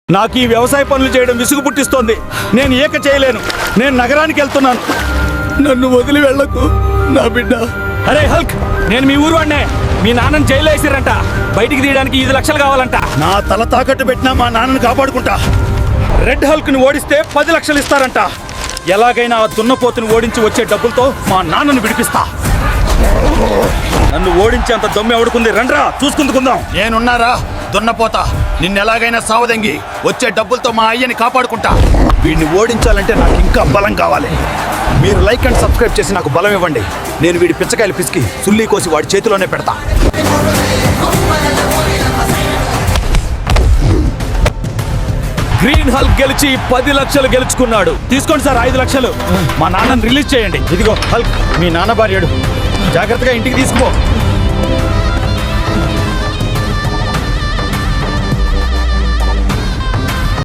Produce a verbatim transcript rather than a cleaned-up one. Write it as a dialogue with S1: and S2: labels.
S1: నాకు ఈ వ్యవసాయ పనులు చేయడం విసుగు పుట్టిస్తోంది. నేను ఏక చేయలేను. నేను నగరానికి వెళ్తున్నాను. నన్ను వదిలి వెళ్ళకు నా బిడ్డ. అరే హల్క్, నేను మీ ఊరు వాడినే. మీ నాన్నని జైల్లో వేసిరంట. బయటికి తీయడానికి ఐదు లక్షలు కావాలంట. నా తల తాకట్టు పెట్టినా మా నాన్నని కాపాడుకుంటా. రెడ్ హల్క్ ని ఓడిస్తే పది లక్షలు ఇస్తారంట. ఎలాగైనా ఆ దున్నపోతుని ఓడించి వచ్చే డబ్బులతో మా నాన్నను విడిపిస్తా. నన్ను ఓడించేంత దొమ్మె ఎవడుకుంది? రండ్రా చూసుకుందుకుందాం.
S2: నేనున్నారా దున్నపోతా. నిన్నెలాగైనా సావదంగి వచ్చే డబ్బులతో మా అయ్యని కాపాడుకుంటా.
S1: వీడిని ఓడించాలంటే నాకు ఇంకా బలం కావాలి. మీరు లైక్ అండ్ సబ్స్క్రైబ్ చేసి నాకు బలం ఇవ్వండి. నేను వీడి పిచ్చకాయలు పిసికి సుల్లి కోసి వాడి చేతిలోనే పెడతా. గ్రీన్ హల్క్ గెలిచి పది లక్షలు గెలుచుకున్నాడు. తీసుకోండి సార్ ఐదు లక్షలు. మా నాన్నని రిలీజ్ చేయండి. ఇదిగో హల్క్, మీ నాన్న భార్యడు. జాగ్రత్తగా ఇంటికి తీసుకుపో.